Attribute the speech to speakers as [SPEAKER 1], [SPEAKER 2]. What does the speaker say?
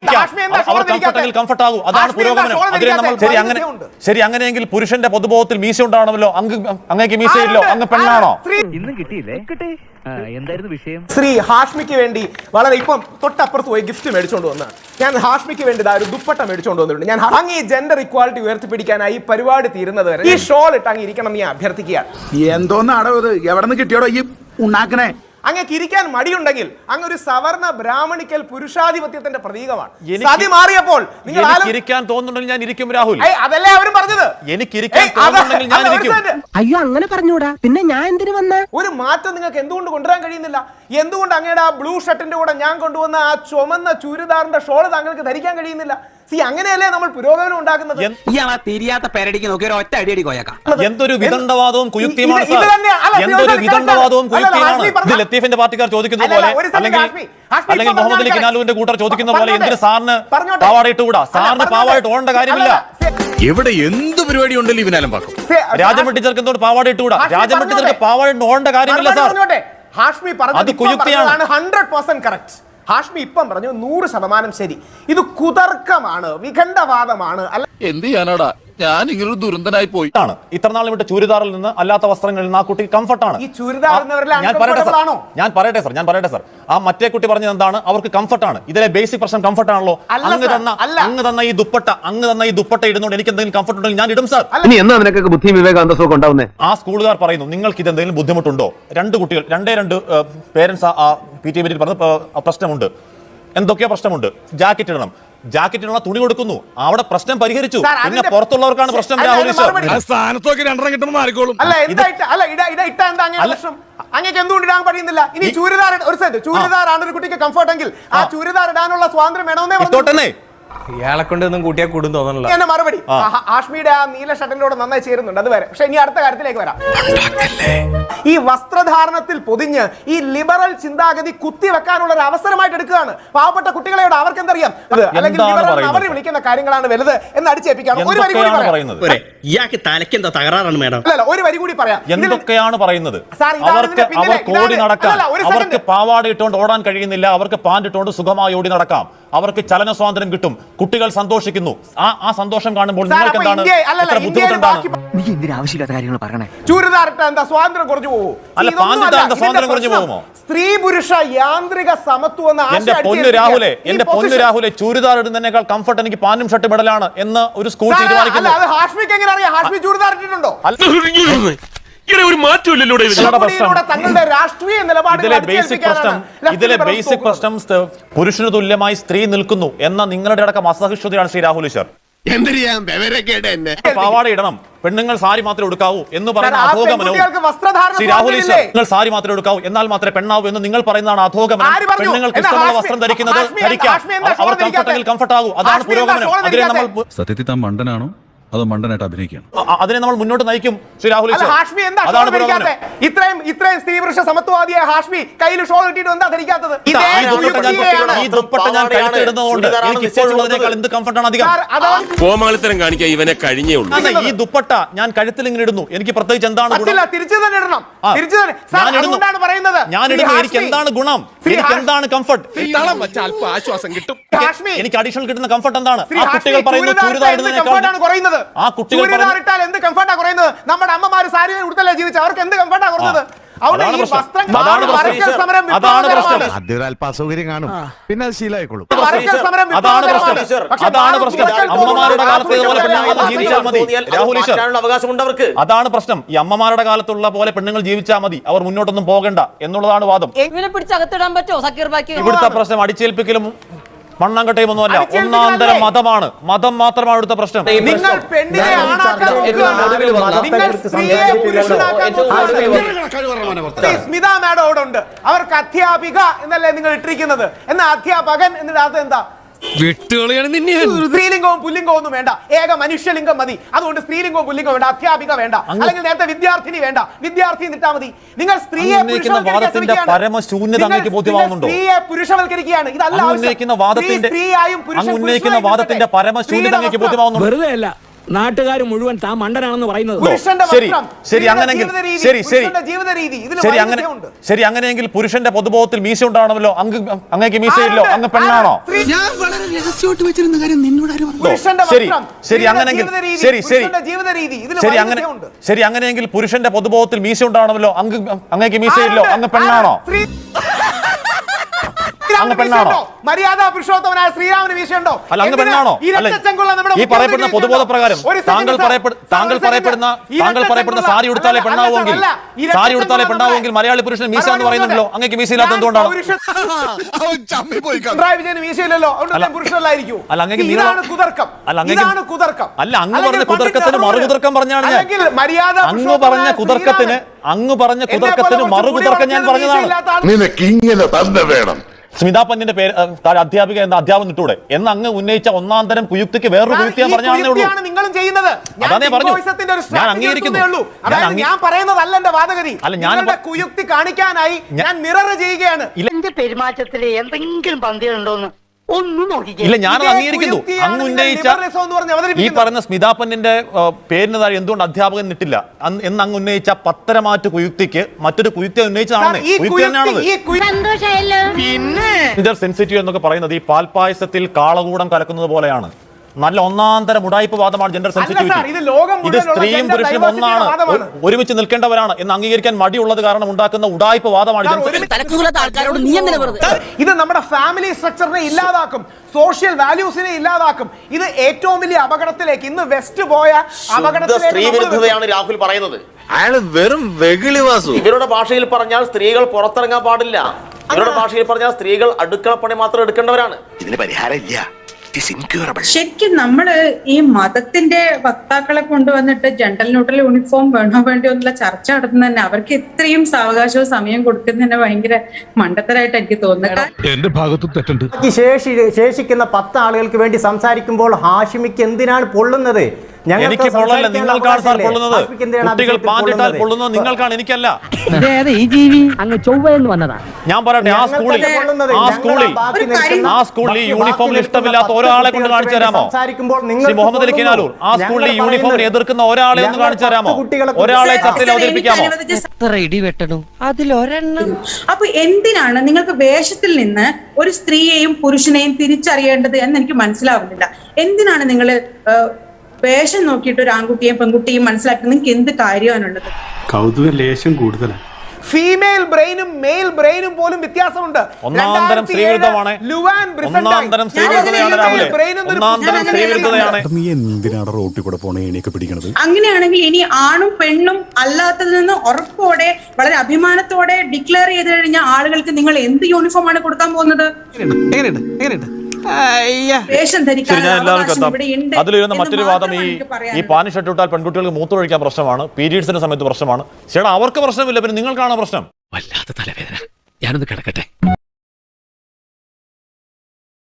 [SPEAKER 1] Comfort ആകൂ, അതാണ് പുരോഗമനം. അതിനെ നമ്മൾ ശരി അങ്ങനെയെങ്കിൽ പുരുഷന്റെ പൊതുബോധത്തിൽ മീശ ഉണ്ടാവണമല്ലോ. അങ്ങേക്ക് മീശയില്ലോ, അങ്ങ് പെണ്ണാണോ?
[SPEAKER 2] ഇന്നും കിട്ടിയില്ലേ? എന്തായിരുന്നു വിഷയം?
[SPEAKER 3] ശ്രീ ഹാഷ്മിക്ക് വേണ്ടി വളരെ ഇപ്പം തൊട്ടപ്പുറത്ത് പോയി ഗിഫ്റ്റ് മേടിച്ചോണ്ട് വന്ന ഞാൻ ഹാഷ്മിക്ക് വേണ്ടി ഒരു ദുപ്പട്ട മേടിച്ചോണ്ട് വന്നിട്ടുണ്ട്. ഞാൻ അങ്ങ് ഈ ജെൻഡർ ഇക്വാലിറ്റി ഉയർത്തിപ്പിടിക്കാനായി പരിപാടി തീരുന്നത് വരെ ഈ ഷോൾ ഇട്ട് അങ്ങ് ഇരിക്കണം ഞാൻ അഭ്യർത്ഥിക്കുകയാണ്.
[SPEAKER 4] എന്തോന്നാടോ ഇത്? എവിടെ നിന്ന് കിട്ടിയോടോ ഈ ഉണ്ടാക്കണേ?
[SPEAKER 3] അങ്ങക്ക് ഇരിക്കാൻ മടിയുണ്ടെങ്കിൽ അങ്ങ് ഒരു സവർണ ബ്രാഹ്മണിക്കൽ പുരുഷാധിപത്യത്തിന്റെ പ്രതീകമാണ്. സതി മാറിയപ്പോൾ
[SPEAKER 1] നിങ്ങൾ ഇരിക്കാൻ തോന്നുന്നുണ്ടെങ്കിൽ ഞാൻ ഇരിക്കും രാഹുൽ.
[SPEAKER 3] അതല്ലേ അവരും പറഞ്ഞത്.
[SPEAKER 1] എനിക്ക് ഇരിക്കാൻ തോന്നുന്നുണ്ടെങ്കിൽ ഞാൻ ഇരിക്കും.
[SPEAKER 5] അയ്യോ അങ്ങനെ പറഞ്ഞൂടാ, പിന്നെ ഞാൻ എന്തിനു വന്ന?
[SPEAKER 3] ഒരു മാറ്റം നിങ്ങൾക്ക് എന്തുകൊണ്ട് കൊണ്ടുവരാൻ കഴിയുന്നില്ല? എന്തുകൊണ്ട് അങ്ങയുടെ ആ ബ്ലൂ ഷർട്ടിന്റെ കൂടെ ഞാൻ കൊണ്ടുവന്ന ആ ചുമന്ന ചുരിദാറിന്റെ ഷോള് താങ്കൾക്ക് ധരിക്കാൻ കഴിയുന്നില്ല? അങ്ങനെയല്ലേ നമ്മൾ പുരോഗമനം ഉണ്ടാക്കുന്നത്?
[SPEAKER 5] തിരിയാത്ത പേരടിക്ക് നോക്കി ഒരു ഒറ്റ അടിയടി കോയക്കാം.
[SPEAKER 1] എന്തൊരു വിദണ്ഡവാദവും കുയുക്തിയുമാണ് സാർ. എന്തൊരു വിദണ്ഡവാദവും കുയുക്തിയുമാണ്. ഇത് ലത്തീഫിന്റെ പാർട്ടിക്കാർ ചോദിക്കുന്ന പോലെ, അല്ലെങ്കിൽ മുഹമ്മദ് അലി കിനാലുവിന്റെ കൂട്ടർ ചോദിക്കുന്ന പോലെ എന്തിന് സാറിന് പാവാടയിട്ട് കൂടാ? സാറിന് പാവാടയിട്ട് ഓടേണ്ട കാര്യമില്ല.
[SPEAKER 6] എവിടെ എന്ത് പരിപാടി ഉണ്ടല്ലോ ഇവനാലും പാക്കും.
[SPEAKER 1] രാജമട്ടി ചേർക്ക് എന്തുകൊണ്ട് പാവാടയിട്ട് കൂടാ? രാജമട്ടി ചേർക്ക് പാവാടയിട്ട് ഓടേണ്ട കാര്യമില്ല സാർ.
[SPEAKER 3] ഹാഷ്മി പറഞ്ഞത് 100% കറക്റ്റ്. ഹാഷ്മി ഇപ്പം പറഞ്ഞു 100% ശരി. ഇത് കുതർക്കമാണ്, വിഖണ്ഡവാദമാണ്.
[SPEAKER 6] എന്ത് ചെയ്യാനാടാ, ഞാൻ ഇങ്ങനൊരു ദുരന്തനായി പോയി.
[SPEAKER 1] ഇത്രനാളും വിട്ട് ചുരിദാറിൽ നിന്ന് അല്ലാത്ത വസ്ത്രങ്ങളിൽ നിന്ന് ആ കുട്ടി കംഫർട്ടാണ്. ഞാൻ പറയട്ടെ സാർ. ആ മറ്റേ കുട്ടി പറഞ്ഞത് എന്താണ്? അവർക്ക് കംഫർട്ടാണ്. ഇതിലെ ബേസിക് പ്രശ്നം കംഫർട്ടാണല്ലോ. അങ്ങ് തന്ന ഈ ദുപ്പട്ട ഇടുന്നോണ്ട് എനിക്ക് എന്തെങ്കിലും കംഫർട്ട് ഉണ്ടെങ്കിൽ ഞാൻ ഇടും സാർ.
[SPEAKER 2] ബുദ്ധി വിവേകാന്തസമൊക്കെ ഉണ്ടാവുന്നേ.
[SPEAKER 1] ആ സ്കൂളുകാർ പറയുന്നു നിങ്ങൾക്ക് ഇത് എന്തെങ്കിലും ബുദ്ധിമുട്ടുണ്ടോ? രണ്ട് കുട്ടികൾ, രണ്ട് പേരൻസ് ആ PTA മീറ്റിൽ പറഞ്ഞ പ്രശ്നമുണ്ട്. എന്തൊക്കെയോ പ്രശ്നമുണ്ട്. ജാക്കറ്റ് ഇടണം, ജാക്കറ്റിനുള്ള തുണി കൊടുക്കുന്നു. അവിടെ പ്രശ്നം പരിഹരിച്ചു. പിന്നെ പുറത്തുള്ളവർക്കാണ് പ്രശ്നം. രാഹുൽ
[SPEAKER 3] അങ്ങേക്ക് എന്തുകൊണ്ട് ഇടാൻ കഴിയുന്നില്ല? ഇനി ചൂരിദാറാണ് ഒരു കുട്ടിക്ക് കംഫർട്ടെങ്കിൽ ആ ചൂരിദാർ ഇടാനുള്ള സ്വാതന്ത്ര്യം വേണമെന്നേ പറഞ്ഞു.
[SPEAKER 7] ഇയാളെ കൊണ്ടൊന്നും കൂട്ടിയാൽ കൂടും തോന്നണല്ലോ.
[SPEAKER 3] എന്നെ മറുപടി ഹാഷ്മിയുടെ ആ നീല ഷർട്ടിനോട് നന്നായി ചേരുന്നുണ്ട്. അത് വരെ. പക്ഷെ ഇനി അടുത്ത കാര്യത്തിലേക്ക് വരാം. ഈ വസ്ത്രധാരണത്തിൽ പൊതിഞ്ഞ് ഈ ലിബറൽ ചിന്താഗതി കുത്തിവെക്കാനുള്ള ഒരു അവസരമായിട്ട് എടുക്കുകയാണ് പാവപ്പെട്ട കുട്ടികളെയോട്. അവർക്ക് എന്തറിയാം? അല്ലെങ്കിൽ അവർ വിളിക്കുന്ന കാര്യങ്ങളാണ് വലുത് എന്ന് അടിച്ചേൽപ്പിക്കാം. ഒരു വരി കൂടി പറയാം.
[SPEAKER 5] ഇയാൾക്ക് തലയ്ക്ക് എന്താ തകരാറാണ് മേഡം?
[SPEAKER 3] അല്ല, ഒരു വരി കൂടി പറയാം.
[SPEAKER 1] എന്തൊക്കെയാണ് പറയുന്നത്? അവർക്ക് ഓടി നടക്കാം. അവർക്ക് പാവാട ഇട്ടുകൊണ്ട് ഓടാൻ കഴിയുന്നില്ല. അവർക്ക് പാന്റ് ഇട്ടുകൊണ്ട് സുഖമായി ഓടി നടക്കാം. അവർക്ക് ചലന സ്വാതന്ത്ര്യം കിട്ടും. കുട്ടികൾ സന്തോഷിക്കുന്നു. ആ സന്തോഷം കാണുമ്പോൾ നിങ്ങൾക്ക് എന്താണ് ബുദ്ധിമുട്ടുണ്ടാണ്?
[SPEAKER 5] നീ എന്തിനാ ആവശ്യമില്ലാത്ത കാര്യങ്ങൾ പറയണേ?
[SPEAKER 3] ചൂരിദാറിട്ട എന്താ സ്വാതന്ത്ര്യം കുറഞ്ഞു പോകുമോ?
[SPEAKER 1] അല്ല, പാന്റ് സ്വാതന്ത്ര്യം കുറഞ്ഞു പോകുമോ?
[SPEAKER 3] സ്ത്രീ പുരുഷ യാന്ത്രിക സമത്വം എന്ന
[SPEAKER 1] എന്റെ പൊന്നു രാഹുലെ ചൂരിദാർ ഇടുന്നതിനേക്കാൾ കംഫർട്ട് എനിക്ക് പാന്റും ഷർട്ടും ഇടലാണ് എന്ന് ഒരു സ്കൂൾ തീരുമാനിക്കുന്നു.
[SPEAKER 3] ഹാഷ്മിക്ക് എങ്ങനെ അറിയാം? ഹാഷ്മി ചൂരിദാർ ഇട്ടിട്ടുണ്ടോ?
[SPEAKER 6] ഒരു മാറ്റമില്ലല്ലോ.
[SPEAKER 1] ഇതിലെ ബേസിക് പ്രശ്നം പുരുഷന് തുല്യമായി സ്ത്രീ നിൽക്കുന്നു എന്ന നിങ്ങളുടെ അടക്കം അസഹിഷ്ണുതയാണ് ശ്രീ രാഹുൽ ഈശ്വർ. പാവാട ഇടണം, പെണ്ണുങ്ങൾ സാരി മാത്രമേ എടുക്കാവൂ എന്ന് പറയുന്ന അധോഗമനവും ശ്രീ രാഹുൽ ഈശ്വർ, നിങ്ങൾ സാരി മാത്രമേ എടുക്കാവൂ എന്നാൽ മാത്രമേ പെണ്ണാവൂ എന്ന് നിങ്ങൾ പറയുന്നതാണ് അധോഗമനം. പെണ്ണുങ്ങൾക്ക് ഇഷ്ടമുള്ള വസ്ത്രം ധരിക്കുന്നത് ധരിക്കാം. അവർ കംഫർട്ടെങ്കിൽ കംഫർട്ട് ആകൂ. അതാണ് പുരോഗമനം. അതിനെ നമ്മൾ
[SPEAKER 6] സത്യത്തിൽ താൻ മണ്ടനാണോ അതോ മണ്ടനായിട്ട് അഭിനയിക്കണം?
[SPEAKER 1] അതിനെ നമ്മൾ മുന്നോട്ട് നയിക്കും ശ്രീ രാഹുൽ.
[SPEAKER 3] ഹാഷ്മി എന്താ ഇത്രയും സ്ത്രീ പുരുഷ സമത്വവാദിയായ ഹാഷ്മി കയ്യിൽ ഷോൾ ഇട്ടിട്ട് എന്താ ധരിക്കാത്തത്?
[SPEAKER 1] ഈ ദുപ്പട്ട ഞാൻ കഴുത്തിടുന്നതുകൊണ്ട് എനിക്ക് ഇപ്പോഴുള്ളതിനേക്കാൾ എന്ത് കംഫർട്ടാണ് അധികം?
[SPEAKER 6] കോമാളിത്തരം കാണിക്കാൻ ഇവനെ കഴിഞ്ഞേ ഉള്ളൂ.
[SPEAKER 1] ഈ ദുപ്പട്ട ഞാൻ കഴുത്തിൽ ഇങ്ങനെ ഇടുന്നു, എനിക്ക് പ്രത്യേകിച്ച് എന്താണ് ഗുണം?
[SPEAKER 3] തിരിച്ചു തന്നെ ഇടണം.
[SPEAKER 1] ഞാൻ ഇടുന്നു, എനിക്ക് എന്താണ് ഗുണം? എനിക്ക് എന്താണ് കംഫർട്ട്?
[SPEAKER 6] ആശ്വാസം കിട്ടും.
[SPEAKER 1] എനിക്ക് അഡീഷണൽ കിട്ടുന്ന കംഫർട്ട് എന്താണ്? ആ കുട്ടികൾ പറയുന്നത് ചൂരിദാർ ഇടുന്നതിനേക്കാൾ
[SPEAKER 3] കുറയുന്നത്. എന്ത് കംഫർട്ടാ കുറയുന്നത്? നമ്മുടെ അമ്മമാര് സാരി ഉടുത്തല്ലേ ജീവിച്ച, അവർക്ക് എന്ത് കംഫർട്ടാ കുറഞ്ഞത്?
[SPEAKER 1] അതാണ്
[SPEAKER 4] അസൗകര്യം കാണും, പിന്നെ അത് ശീലമായിക്കോളും.
[SPEAKER 1] അതാണ് പ്രശ്നം. അമ്മമാരുടെ കാലത്ത് ജീവിച്ചാൽ മതി രാഹുൽ ഈശ്വർ. അതാണ് പ്രശ്നം. ഈ അമ്മമാരുടെ കാലത്തുള്ള പോലെ പെണ്ണുങ്ങൾ ജീവിച്ചാൽ മതി, അവർ മുന്നോട്ടൊന്നും പോകണ്ട എന്നുള്ളതാണ് വാദം. ഇവിടുത്തെ പ്രശ്നം അടിച്ചേൽപ്പിക്കലും മണ്ണാങ്കട്ടയും ഒന്നുമല്ല, ഒന്നാന്തര മതമാണ്. മതം മാത്രമാണ് ഇവിടുത്തെ പ്രശ്നം.
[SPEAKER 3] നിങ്ങൾ പെണ്ണിനെ ആണാക്കാൻ നോക്കുകയാണ്. നിങ്ങൾ സ്ത്രീയെ പുരുഷനാക്കാൻ നോക്കുകയാണ്. സ്മിത മാഡം അവിടെ ഉണ്ട്. അവർക്ക് അധ്യാപിക എന്നല്ലേ നിങ്ങൾ ഇട്ടിരിക്കുന്നത്? എന്നാ അധ്യാപകൻ എന്നിട്ട് എന്താ? സ്ത്രീലിംഗവും പുല്ലിംഗവും ഒന്നും വേണ്ട, ഏക മനുഷ്യലിംഗം മതി. അതുകൊണ്ട് സ്ത്രീലിംഗവും പുല്ലിംഗവും വേണ്ട, അധ്യാപിക വേണ്ട, അല്ലെങ്കിൽ നേരത്തെ വിദ്യാർത്ഥിനി വേണ്ട, വിദ്യാർത്ഥി നിട്ടാ മതി. നിങ്ങൾ സ്ത്രീയെ പുരുഷവൽക്കരിക്കുകയാണ്. ഇതല്ല
[SPEAKER 1] ഉന്നയിക്കുന്ന വാദത്തിന്റെ പരമശൂന്യത ബോധ്യമാവുന്നുണ്ട്.
[SPEAKER 7] വെറുതെ അല്ല,
[SPEAKER 5] നാട്ടുകാർ മുഴുവൻ താൻ മണ്ടനാണെന്ന് പറയുന്നത്.
[SPEAKER 3] പുരുഷന്റെ
[SPEAKER 1] ശരി
[SPEAKER 3] വസ്ത്രം,
[SPEAKER 1] ശരി
[SPEAKER 3] സ്ത്രീയുടെ
[SPEAKER 1] അങ്ങനെയെങ്കിൽ
[SPEAKER 3] ജീവിത രീതി,
[SPEAKER 1] ശരി ശരി
[SPEAKER 3] പുരുഷന്റെ ജീവിത രീതി, ഇതിൽ
[SPEAKER 1] ശരി അങ്ങനെ
[SPEAKER 3] വൈരുദ്ധ്യമുണ്ട്.
[SPEAKER 1] ശരി അങ്ങനെയെങ്കിൽ പുരുഷന്റെ പൊതുബോധത്തിൽ മീശ ഉണ്ടാവണമല്ലോ. അങ്ങേക്ക് മീശയില്ലോ, അങ്ങ് പെണ്ണാണോ?
[SPEAKER 4] ഞാൻ വളരെ രഹസ്യമായിട്ട് വെച്ചിരുന്ന കാര്യം നിന്നോട് ആരും പറഞ്ഞു?
[SPEAKER 3] പുരുഷന്റെ
[SPEAKER 1] ശരി
[SPEAKER 3] വസ്ത്രം,
[SPEAKER 1] ശരി
[SPEAKER 3] സ്ത്രീയുടെ
[SPEAKER 1] അങ്ങനെയെങ്കിൽ
[SPEAKER 3] ജീവിത രീതി,
[SPEAKER 1] ശരി ശരി
[SPEAKER 3] പുരുഷന്റെ ജീവിത രീതി, ഇതിൽ
[SPEAKER 1] ശരി അങ്ങനെ
[SPEAKER 3] വൈരുദ്ധ്യമുണ്ട്.
[SPEAKER 1] ശരി അങ്ങനെയെങ്കിൽ പുരുഷന്റെ പൊതുബോധത്തിൽ മീശ ഉണ്ടാവണമല്ലോ. അങ്ങേക്ക് മീശയില്ലോ, അങ്ങ് പെണ്ണാണോ? അങ്ങ് പെണ്ണാണോ?
[SPEAKER 3] മര്യാദ പുരുഷോത്തമനായ ശ്രീരാമന് വീശുണ്ടോ?
[SPEAKER 1] അല്ല, അങ്ങ് പെണ്ണാണോ? അല്ല, ഈ പറയപ്പെടുന്ന പൊതുബോധ പ്രകാരം താങ്കൾ പറയപ്പെടുന്ന സാരി ഉടുത്താലേ പെണ്ണാവുമെങ്കിൽ മലയാളി പുരുഷൻ മീശ എന്ന് പറയുന്നുണ്ടല്ലോ. അങ്ങേക്ക് മീശയില്ലാത്ത എന്തുകൊണ്ടാണ്?
[SPEAKER 3] പിണറായി വിജയന് വീശയില്ലല്ലോ, അതുകൊണ്ട് പുരുഷനല്ലായിരിക്കും.
[SPEAKER 1] അല്ല, അങ്ങേക്ക്
[SPEAKER 3] ഇതാണ് കുതർക്കം. ഇതാണ് കുതർക്കം.
[SPEAKER 1] അല്ല, അങ്ങ് പറഞ്ഞ കുതർക്കത്തിന് മറുകുതർക്കം പറഞ്ഞാണ് ഞാൻ.
[SPEAKER 3] മര്യാദ
[SPEAKER 1] അങ്ങ് പറഞ്ഞ കുതർക്കത്തിന് മറുകുതർക്കം ഞാൻ പറഞ്ഞതാണ്.
[SPEAKER 8] നിനക്ക് ഇങ്ങനെ തന്നെ വേണം.
[SPEAKER 1] സ്മിതാ പന്നിന്റെ പേര് അധ്യാപിക എന്ന അധ്യാപനം ഇട്ടൂടെ എന്ന് അങ്ങ് ഉന്നയിച്ച ഒന്നാം തരം കുയുക്തിക്ക് വേറൊരു കുയുക്തി ഞാൻ പറഞ്ഞാണേ ഉള്ളൂ.
[SPEAKER 3] നിങ്ങളും ചെയ്യുന്നത്.
[SPEAKER 1] അതാ പറഞ്ഞു, ഞാൻ അംഗീകരിക്കുന്നു.
[SPEAKER 3] ഞാൻ പറയുന്നതല്ല എന്റെ വാദഗതി.
[SPEAKER 1] അല്ല, ഞാൻ
[SPEAKER 3] കുയുക്തി കാണിക്കാനായി ഞാൻ മിറർ ചെയ്യുകയാണ്.
[SPEAKER 9] എന്റെ പെരുമാറ്റത്തില് എന്തെങ്കിലും പന്തികളുണ്ടോന്ന് ഒന്നും നോക്കിക്കേ.
[SPEAKER 1] ഇല്ല, ഞാനത് അംഗീകരിക്കുന്നു. അങ്ങ് ഉന്നയിച്ച ഈ പറയുന്ന സ്മിതാ പന്നിന്റെ പേരിന് താഴെ എന്തുകൊണ്ട് അധ്യാപകൻ ഇട്ടില്ല എന്ന് അങ്ങ് ഉന്നയിച്ച പത്തരമാറ്റ് കുയുക്തിക്ക് മറ്റൊരു കുയുക്തി ഉന്നയിച്ചതാണ്. കുയുക്തി തന്നെയാണത്. ഇന്റർ സെൻസിറ്റീവ് എന്നൊക്കെ പറയുന്നത് ഈ പാൽപായസത്തിൽ കാളകൂടം കലക്കുന്നത് പോലെയാണ്. നല്ല ഒന്നാന്തരം ഉടായ്പ വാദമാണ് ജെൻഡർ സെൻസിറ്റിവിറ്റി. ഇത് സ്ത്രീയും പുരുഷനും ഒന്നാണ്, ഒരുമിച്ച് നിൽക്കേണ്ടവരാണ് എന്ന് അംഗീകരിക്കാൻ മടിയുള്ളത് കാരണം ഉണ്ടാക്കുന്ന ഉടായ്പ വാദമാണ്.
[SPEAKER 3] ഇത് നമ്മുടെ ഫാമിലി സ്ട്രക്ചറിനെ ഇല്ലാതാക്കും, സോഷ്യൽ വാല്യൂസിനെ ഇല്ലാതാക്കും. ഇത് ഏറ്റവും വലിയ അപകടത്തിലേക്ക് ഇന്ന് വെസ്റ്റ് പോയ അപകടത്തിലേക്ക്
[SPEAKER 10] സ്ത്രീ വിരുദ്ധതയാണ് രാഹുൽ പറയുന്നത്.
[SPEAKER 8] അയാള് വെറും വെകിളിവാസു.
[SPEAKER 10] ഇവരുടെ ഭാഷയിൽ പറഞ്ഞാൽ സ്ത്രീകൾ പുറത്തിറങ്ങാൻ പാടില്ല. ഇവരുടെ ഭാഷയിൽ പറഞ്ഞാൽ സ്ത്രീകൾ അടുക്കളപ്പണി മാത്രം എടുക്കേണ്ടവരാണ്.
[SPEAKER 8] ഇതിന് പരിഹാരം ഇല്ല.
[SPEAKER 11] ശരിക്കും നമ്മള് ഈ മതത്തിന്റെ വക്താക്കളെ കൊണ്ടുവന്നിട്ട് ജെൻഡർ ന്യൂട്രൽ യൂണിഫോം വേണോ വേണ്ടിയോ എന്നുള്ള ചർച്ച നടത്തുന്ന തന്നെ അവർക്ക് ഇത്രയും സാവകാശവും സമയം കൊടുക്കുന്നതന്നെ ഭയങ്കര മണ്ടത്തരായിട്ട് എനിക്ക് തോന്നുന്നത്.
[SPEAKER 6] എന്റെ ഭാഗത്തും തെറ്റുണ്ട്.
[SPEAKER 7] ശേഷിക്കുന്ന 10 ആളുകൾക്ക് വേണ്ടി സംസാരിക്കുമ്പോൾ ഹാഷിമിക്ക് എന്തിനാണ് പൊള്ളുന്നത്?
[SPEAKER 1] എനിക്ക് പൊള്ളല്ല, നിങ്ങൾക്കാണ് സാർ പൊള്ളുന്നത്. കുട്ടികൾ പാൻറിട്ടാൽ പൊള്ളുന്നത് നിങ്ങൾക്കാണ്, എനിക്കല്ല.
[SPEAKER 5] ഈ ജീവി അങ്ങ് ചൊവ്വയെന്ന് വന്നതാ.
[SPEAKER 1] ഞാൻ പറയട്ടെ, ആ സ്കൂളിൽ ഈ യൂണിഫോമിൽ ഇഷ്ടമില്ലാത്ത ഒരാളെ കൊണ്ട് കാണിച്ചു തരാമോ? ശ്രീ മുഹമ്മദ് അലി കിനാലൂർ, ആ സ്കൂളിൽ ഈ യൂണിഫോമിനെ എതിർക്കുന്ന ഒരാളെ ഒന്ന് കാണിച്ചു തരാമോ? ഒരാളെ ചർച്ചയിൽ അവതരിപ്പിക്കാമോ?
[SPEAKER 5] ഇടിവെട്ടണം അതിലൊരെണ്ണം.
[SPEAKER 11] അപ്പൊ എന്തിനാണ് നിങ്ങൾക്ക് വേഷത്തിൽ നിന്ന് ഒരു സ്ത്രീയെയും പുരുഷനെയും തിരിച്ചറിയേണ്ടത് എന്ന് എനിക്ക് മനസ്സിലാവുന്നില്ല. എന്തിനാണ് നിങ്ങൾ വേഷം നോക്കിയിട്ട് ഒരു ആൺകുട്ടിയെയും പെൺകുട്ടിയെയും മനസ്സിലാക്കി നിങ്ങൾക്ക് എന്ത് കാര്യമാണുള്ളത്?
[SPEAKER 6] കൗതുക ലേശം കൂടുതലാണ്.
[SPEAKER 3] ഫീമെയിൽ ബ്രെയിനും മെയിൽ ബ്രെയിനും പോലും വ്യത്യാസമുണ്ട്.
[SPEAKER 1] ഒന്നാന്തരം സ്ത്രീവിരുദ്ധമാണ്.
[SPEAKER 6] നീ എന്തിനാണ് റോട്ടിൽ കൂടെ പോണേ എണീക്കെ പിടിക്കണത്?
[SPEAKER 11] അങ്ങനെയാണെങ്കിൽ ഇനി ആണും പെണ്ണും അല്ലാത്തതിൽ നിന്ന് ഉറപ്പോടെ വളരെ അഭിമാനത്തോടെ ഡിക്ലെയർ ചെയ്ത് കഴിഞ്ഞാൽ ആളുകൾക്ക് നിങ്ങൾ എന്ത് യൂണിഫോം ആണ് കൊടുക്കാൻ പോകുന്നത്?
[SPEAKER 1] അതിലിരുന്ന മറ്റൊരു വാദം ഈ പാനി ഷർട്ട് ഇട്ടാൽ പെൺകുട്ടികൾക്ക് മൂത്രമൊഴിക്കാൻ പ്രശ്നമാണ്, പീരീഡ്സിന്റെ സമയത്ത് പ്രശ്നമാണ്. ചേട്ടാ, അവർക്ക് പ്രശ്നമില്ല, പിന്നെ നിങ്ങൾക്കാണ് പ്രശ്നം.
[SPEAKER 5] വല്ലാത്ത തലവേദന, ഞാനൊന്ന് കിടക്കട്ടെ.